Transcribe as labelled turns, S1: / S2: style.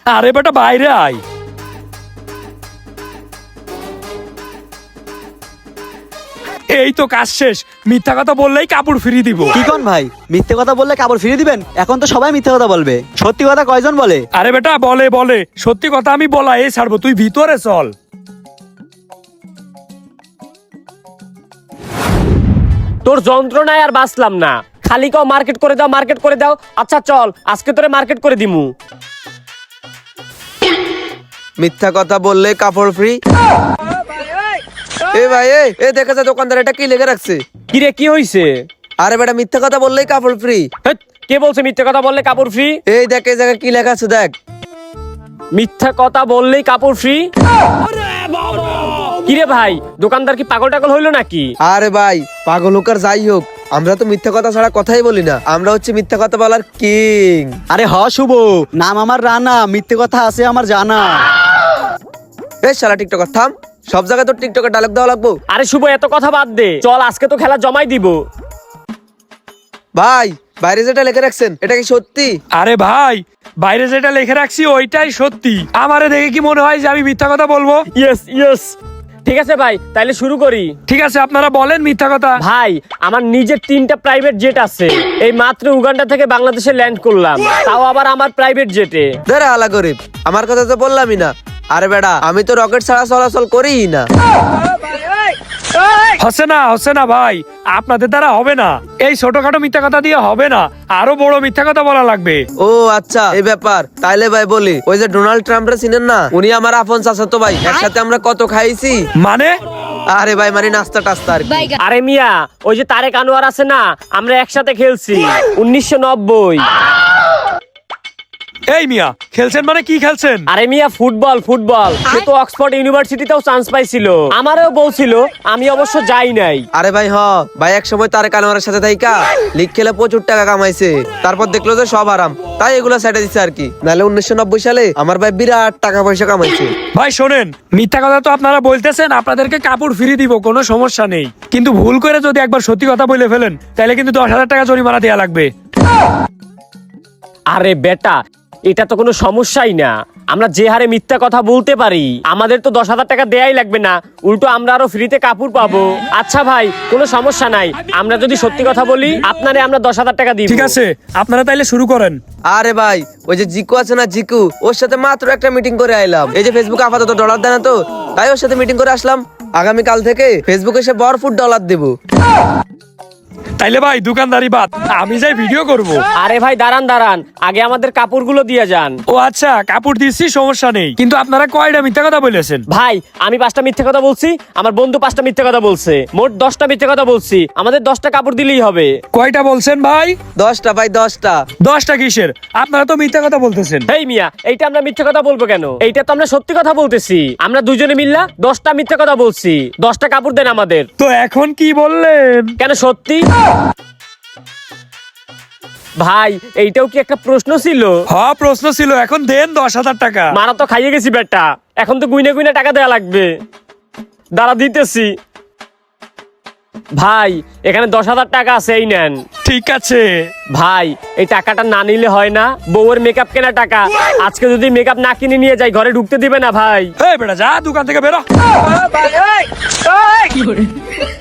S1: আরে বেটা বাইরে আয়। এই তো কাজ শেষ, মিথ্যা কথা বললেই কাপড় ফিরিয়ে দিব।
S2: কি কোন ভাই, মিথ্যে কথা বললে কাপড় ফিরিয়ে দিবেন? এখন তো সবাই মিথ্যে কথা বলবে, সত্যি কথা কয়জন বলে?
S1: আরে বেটা বলে বলে, সত্যি কথা আমি বলা এই ছাড়বো, তুই ভিতরে চল।
S3: তোর যন্ত্রণায় আর বাঁচলাম না, খালি কাও মার্কেট করে দাও মার্কেট করে দাও। আচ্ছা চল আজকে তোরে মার্কেট করে দিমু।
S4: মিথ্যা কথা বললে কাপড় ফ্রি। এ ভাই এ দেখা যায় দোকানদার এটা কি লিখে রাখছে?
S3: কিরে কি হইছে?
S4: আরে বেটা মিথ্যা কথা বললেই কাপড় ফ্রি।
S3: হেৎ, কে বলছে মিথ্যা কথা বললে কাপড় ফ্রি?
S4: এই দেখ এই জায়গায় কি লেখা আছে দেখ।
S3: মিথ্যা কথা বললেই কাপড় ফ্রি? কিরে ভাই, দোকানদার কি পাগল টাগল হইলো নাকি?
S4: আরে ভাই পাগল হোক আর যাই হোক, আমরা তো মিথ্যা কথা ছাড়া কথাই বলি না, আমরা হচ্ছে মিথ্যা কথা বলার কিং।
S2: আরে হ শুভ, নাম আমার রানা, মিথ্যে কথা আছে আমার জানা।
S4: এই শালা টিকটকার থাম, সব জায়গায় তোর টিকটকের ডায়লগ দেওয়া লাগবো?
S3: আরে শুভ এত কথা বাদ দে, চল আজকে তো খেলা জমাই দিব।
S4: ভাই বাইরে যেটা লিখে রাখছেন এটা কি সত্যি?
S1: আরে ভাই বাইরে যেটা লিখে রাখছি ওইটাই সত্যি। আমারে দেখে কি মনে হয় যে আমি মিথ্যা কথা বলবো?
S3: ইয়েস ইয়েস, ঠিক আছে ভাই তাইলে শুরু করি।
S1: ঠিক আছে আপনারা বলেন মিথ্যা কথা।
S3: ভাই আমার নিজের 3টা প্রাইভেট জেট আছে, এই মাত্র উগান্ডা থেকে বাংলাদেশে ল্যান্ড করলাম, তাও আবার আমার প্রাইভেট জেটে।
S4: ধরে আলা গরিব, আমার কথা তো বললামই না। আরে বেটা আমি তো রকেট ছাড়া চলাচল করিই না।
S1: হচ্ছে না ভাই, আপনাদের দ্বারা হবে না, এই ছোটখাটো মিথ্যা কথা দিয়ে হবে না, আরো বড় মিথ্যা কথা বলা লাগবে।
S4: ও আচ্ছা এই ব্যাপার, তাইলে ভাই বলি, ওই যে ডোনাল্ড ট্রাম্পরে চিনেন না, উনি আমার আপন চাচাতো ভাই, একসাথে আমরা কত খাইছি।
S1: মানে?
S4: আরে ভাই মানে নাস্তা টাস্তা আর কি।
S3: আরে মিয়া, ওই যে তারেক আনোয়ার আছে না, আমরা একসাথে খেলছি 1990।
S1: এই মিয়া খেলছেন মানে কি খেলছেন?
S3: আরে মিয়া ফুটবল ফুটবল, সে তো অক্সফোর্ড ইউনিভার্সিটিতেও চান্স পাইছিল, আমারও বলছিল, আমি অবশ্য যাই নাই।
S4: আরে ভাই ভাই এক সময় তারেক আনোয়ারের সাথে থাইকা লিগ খেলে প্রচুর টাকা কামাইছে, তারপর দেখলো যে সব আরাম, তাই এগুলো সেটে দিচ্ছে আর কি। নাহলে 1990 সালে আমার ভাই বিরাট টাকা পয়সা কামাইছে।
S1: ভাই শোনেন, মিথ্যা কথা তো আপনারা বলতেছেন, আপনাদেরকে কাপড় ফিরিয়ে দিব, কোনো সমস্যা নেই, কিন্তু ভুল করে যদি একবার সত্যি কথা বলে ফেলেন তাহলে কিন্তু 10,000 টাকা জরিমানা দেওয়া লাগবে।
S3: আরে বেটা এটা তো কোনো সমস্যাই না, আমরা যে হারে মিথ্যা কথা বলতে পারি আমাদের তো 10,000 টাকা দেয়াই লাগবে না, উল্টো আমরা আরো ফ্রিতে কাপড় পাবো। আচ্ছা ভাই কোনো সমস্যা নাই, আমরা যদি সত্যি কথা বলি আপনারে আমরা 10,000 টাকা দিব।
S1: ঠিক আছে আপনারা তাইলে শুরু করেন।
S4: আরে ভাই ওই যে জিকু আছে না, জিকু, ওর সাথে মাত্র একটা মিটিং করে আইলাম। এই যে ফেসবুকে আপাতত ডলার দেয় না তো, তাই ওর সাথে মিটিং করে আসলাম। আগামীকাল থেকে ফেসবুকে এসে ভরপুর ডলার দেবো।
S1: তাইলে ভাই দোকানদারি বাদ, আমি যাই ভিডিও করব।
S3: আরে ভাই দাঁড়ান দাঁড়ান, আগে আমাদের কাপড়গুলো দিয়ে যান।
S1: ও আচ্ছা কাপড় দিচ্ছি সমস্যা নেই, কিন্তু আপনারা কয়টা মিথ্যা কথা বলেছেন?
S3: ভাই আমি 5টা মিথ্যে কথা বলছি, আমার বন্ধু 5টা মিথ্যে কথা বলছে, মোট 10টা মিথ্যে কথা বলছি, আমাদের 10টা কাপড় দিলেই হবে।
S1: কয়টা বলছেন ভাই?
S4: 10টা ভাই 10টা।
S1: 10টা কিসের? আপনারা তো মিথ্যা কথা বলতেছেন।
S3: হেই মিয়া, এইটা আমরা মিথ্যে কথা বলবো কেন? এইটা তো আমরা সত্যি কথা বলতেছি, আমরা দুজনে মিল্লা 10টা মিথ্যে কথা বলছি, 10টা কাপড় দেন আমাদের।
S1: তো এখন কি বললেন?
S3: কেন সত্যি? ভাই এইটাও কি একটা প্রশ্ন ছিল?
S1: হ্যাঁ প্রশ্ন ছিল, এখন দেন 10,000 টাকা।
S3: মারা তো খাইয়ে গেছি বেটা, এখন তো গুইনা গুইনা টাকা দেয়া লাগবে, দাঁড়া দিতেছি। ভাই এখানে 10,000 টাকা আছে, এই নেন।
S1: ঠিক আছে
S3: ভাই এই টাকাটা না নিলে হয় না, বউয়ের মেকআপ কেনা টাকা, আজকে যদি মেকআপ না কিনে নিয়ে যাই ঘরে ঢুকতে দিবে না ভাই।
S1: এই বেটা যা দোকান থেকে বেরো।